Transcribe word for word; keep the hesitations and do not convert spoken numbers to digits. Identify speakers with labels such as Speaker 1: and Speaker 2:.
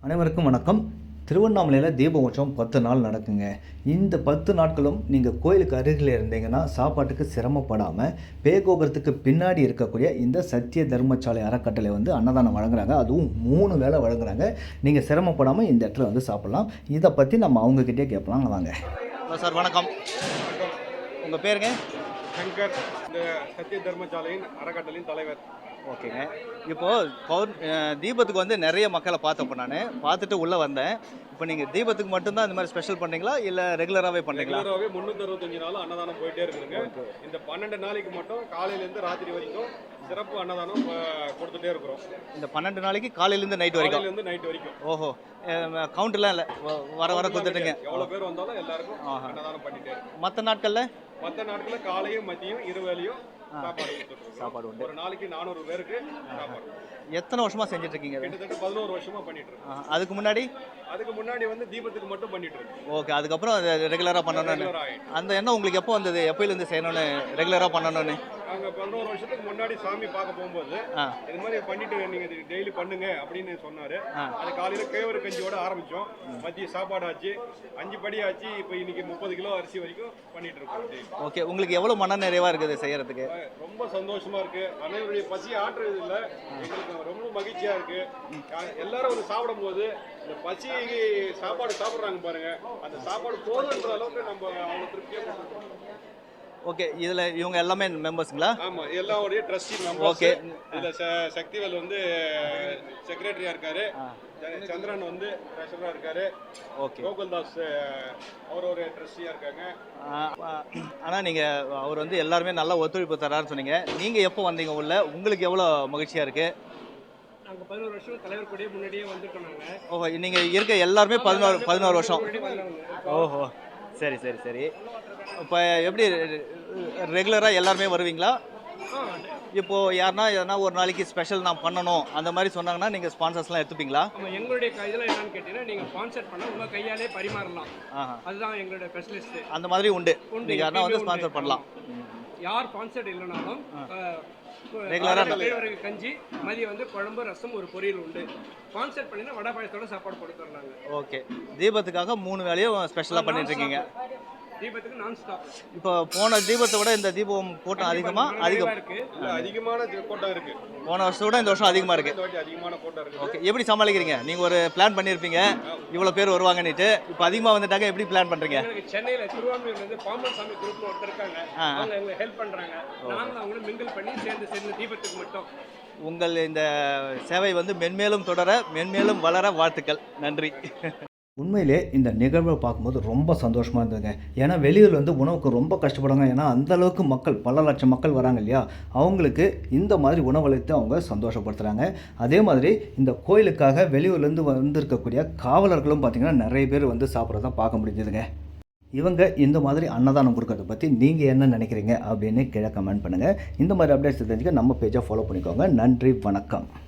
Speaker 1: அனைவருக்கும் வணக்கம். திருவண்ணாமலையில் தீப உற்சவம் பத்து நாள் நடக்குங்க. இந்த பத்து நாட்களும் நீங்கள் கோயிலுக்கு அருகில் இருந்தீங்கன்னா சாப்பாட்டுக்கு சிரமப்படாமல் பேகோபுரத்துக்கு பின்னாடி இருக்கக்கூடிய இந்த சத்திய தர்மசாலை அறக்கட்டளை வந்து அன்னதானம் வழங்குறாங்க. அதுவும் மூணு வேளை வழங்குறாங்க. நீங்கள் சிரமப்படாமல் இந்த இடத்துல வந்து சாப்பிட்லாம். இதை பற்றி நம்ம அவங்கக்கிட்டே கேட்கலாம். வாங்க. ஹலோ சார், வணக்கம். உங்கள் பேருங்க?
Speaker 2: சங்கர், இந்த சத்திய தர்மசாலையின் அறக்கட்டளையின் தலைவர்.
Speaker 1: ஓகேங்க. இப்போது பௌர் தீபத்துக்கு வந்து நிறைய மக்களை பார்த்தப்போ நான் பார்த்துட்டு உள்ளே வந்தேன். இப்போ நீங்கள் தீபத்துக்கு மட்டும்தான் இந்த மாதிரி ஸ்பெஷல் பண்ணுறீங்களா இல்லை ரெகுலராகவே பண்ணுறீங்களா?
Speaker 2: ரெகுலராகவே முந்நூற்றி அறுபத்தஞ்சு நாளும் அன்னதானம் போயிட்டே இருக்குதுங்க. இந்த பன்னெண்டு நாளைக்கு மட்டும் காலையிலேருந்து ராத்திரி வரைக்கும் சிறப்பு அன்னதானம் கொடுத்துட்டே இருக்கிறோம்.
Speaker 1: இந்த பன்னெண்டு நாளைக்கு காலையிலேருந்து நைட் வரைக்கும்?
Speaker 2: காலையிலேருந்து நைட் வரைக்கும்.
Speaker 1: ஓஹோ, கவுண்ட்லாம் இல்லை, வர வர கொடுத்துட்டுங்க.
Speaker 2: எவ்வளோ பேர் வந்தாலும் எல்லாருக்கும் அன்னதானம் பண்ணிட்டே இருக்கும்.
Speaker 1: மற்ற நாட்களில்
Speaker 2: மற்ற நாட்களில் காலையும் மதியம் இருவேளையும் சாப்பாடு
Speaker 1: சாப்பாடு உண்டு.
Speaker 2: ஒரு நாளைக்கு நானூறு பேருக்கு சாப்பாடு.
Speaker 1: எத்தனை வருஷமா செஞ்சுட்டு இருக்கீங்க?
Speaker 2: கிட்டத்தட்ட பதினோரு வருஷமா பண்ணிட்டு இருக்கோம்.
Speaker 1: அதுக்கு முன்னாடி
Speaker 2: அதுக்கு முன்னாடி வந்து தீபத்துக்கு மட்டும் பண்ணிட்டு இருக்கோம்.
Speaker 1: ஓகே. அதுக்கப்புறம் ரெகுலரா பண்ணணும்னு அந்த எண்ணம் உங்களுக்கு எப்போ வந்தது? எப்பயில இருந்து செய்யணும்னு ரெகுலரா பண்ணணும்னு?
Speaker 2: நாங்கள் பதினோரு வருஷத்துக்கு முன்னாடி சாமி பார்க்க போகும்போது இது மாதிரி பண்ணிட்டு நீங்க டெய்லி பண்ணுங்க அப்படின்னு சொன்னாரு. அது காலையில கேவரு கஞ்சியோட ஆரம்பிச்சோம். மதிய சாப்பாடு ஆச்சு, அஞ்சு படி ஆச்சு. இப்போ இன்னைக்கு முப்பது கிலோ அரிசி வரைக்கும் பண்ணிட்டு இருக்கோம்.
Speaker 1: ஓகே. உங்களுக்கு எவ்வளவு மன நிறைவா இருக்குது செய்யறதுக்கு?
Speaker 2: ரொம்ப சந்தோஷமா இருக்கு. அனைவருடைய பசி ஆற்றுறது இல்லை, எங்களுக்கு ரொம்ப மகிழ்ச்சியா இருக்கு. எல்லாரும் வந்து சாப்பிடும் போது இந்த பசி சாப்பாடு சாப்பிட்றாங்க பாருங்க, அந்த சாப்பாடு போதுன்ற அளவுக்கு நம்ம அவங்க திருப்தியா கொடுத்துருக்கோம்.
Speaker 1: ஓகே. இதுல இவங்க எல்லாமே மெம்பர்ஸ்ங்களா?
Speaker 2: ஆமா, எல்லாருடைய ட்ரஸ்டி மெம்பர்ஸ்.
Speaker 1: ஓகே.
Speaker 2: இதுல சக்திவேல் வந்து செக்ரட்டரியா இருக்காரு, சந்திரன் வந்து ட்ரெஷரரா இருக்காரு, ஓகே. கோகுல்தாஸ் அவர் ஒரு ட்ரஸ்டியா இருக்காங்க.
Speaker 1: ஆனா நீங்க அவர் வந்து எல்லாருமே நல்லா ஒத்துழைப்பு தராருன்னு சொன்னீங்க. நீங்க எப்போ வந்தீங்க உள்ள? உங்களுக்கு எவ்வளவு மகிழ்ச்சியா இருக்கு?
Speaker 2: நாங்க பதினோரு வருஷம் தலைவர் கூடயே முன்னாடியே வந்துட்டோம் நாங்க.
Speaker 1: ஓஹோ, நீங்க இருக்க எல்லாருமே பதினோரு பதினோரு வருஷம். ஓஹோ, சரி சரி சரி. இப்போ எப்படி ரெகுலராக எல்லாருமே வருவீங்களா? இப்போது யாருன்னா எதனா ஒரு நாளைக்கு ஸ்பெஷல் நான் பண்ணணும் அந்த மாதிரி சொன்னாங்கன்னா நீங்கள் ஸ்பான்சர்ஸ்லாம் எடுத்துப்பீங்களா?
Speaker 3: ஆமாம், எங்களுடைய இதெல்லாம் என்னன்னு கேட்டீங்கன்னா நீங்கள் ஸ்பான்சர் பண்ணால் உங்கள் கையாலே பரிமாறலாம். அதுதான் எங்களுடைய ஸ்பெஷலிஸ்ட்.
Speaker 1: அந்த மாதிரி உண்டு, நீங்கள் யாருன்னா வந்து ஸ்பான்சர் பண்ணலாம்.
Speaker 3: யார் ஸ்பான்சர் இல்லைனாலும்
Speaker 1: ரெகுலராக
Speaker 3: கஞ்சி, மதியம் வந்து குழம்பு, ரசம், ஒரு பொரியல் உண்டு. ஸ்பான்சர் பண்ணினா வடை பாயசத்தோட சாப்பாடு கொடுத்துட்றாங்க.
Speaker 1: ஓகே. தீபத்துக்காக மூணு வேலையும் ஸ்பெஷலாக பண்ணிட்டு இருக்கீங்க.
Speaker 3: தீபத்துக்கு நான் ஸ்டாப்.
Speaker 1: இப்போ போன தீபத்தை விட இந்த தீபம் கூட்டம் அதிகமா? அதிகம்
Speaker 2: இருக்கு, அதிகமான கூட்டம் இருக்கு.
Speaker 1: போன வருஷத்தை விட இந்த வருஷம் அதிகமா இருக்கு.
Speaker 2: அதிகமான கூட்டம் இருக்கு.
Speaker 1: ஓகே. எப்படி சமாளிக்கிறீங்க? நீங்க ஒரு பிளான் பண்ணிருப்பீங்க இவ்வளவு பேர் வருவாங்கன்னுட்டு, இப்போ அதிகமா வந்துட்டாங்க, எப்படி பிளான் பண்றீங்க?
Speaker 3: சென்னையில திருவான்மையூர்ல இருந்து பாம்பன் சாமி குரூப்ல ஒருத்தர் இருக்காங்க, அவங்க எங்களுக்கு ஹெல்ப் பண்றாங்க. நாங்களும் அவங்களும் மிங்கிள் பண்ணி சேர்ந்து சேர்ந்து தீபத்துக்கு மட்டும்.
Speaker 1: உங்கள் இந்த சேவை வந்து மென்மேலும் தொடர, மென்மேலும் வளர வாழ்த்துக்கள். நன்றி. உண்மையிலே இந்த நிகழ்வை பார்க்கும்போது ரொம்ப சந்தோஷமாக இருந்ததுங்க. ஏன்னா வெளியூர் வந்து உணவுக்கு ரொம்ப கஷ்டப்படுறாங்க. ஏன்னா அந்தளவுக்கு மக்கள், பல லட்சம் மக்கள் வராங்க இல்லையா, அவங்களுக்கு இந்த மாதிரி உணவளித்து அவங்க சந்தோஷப்படுத்துகிறாங்க. அதே மாதிரி இந்த கோயிலுக்காக வெளியூர்லேருந்து வந்திருக்கக்கூடிய காவலர்களும் பார்த்திங்கன்னா நிறைய பேர் வந்து சாப்பிட்றத பார்க்க முடிஞ்சதுங்க. இவங்க இந்த மாதிரி அன்னதானம் கொடுக்கறத பற்றி நீங்கள் என்ன நினைக்கிறீங்க அப்படின்னு கீழே கமெண்ட் பண்ணுங்கள். இந்த மாதிரி அப்டேட்ஸ் தெரிஞ்சுக்க நம்ம பேஜை ஃபாலோ பண்ணிக்கோங்க. நன்றி, வணக்கம்.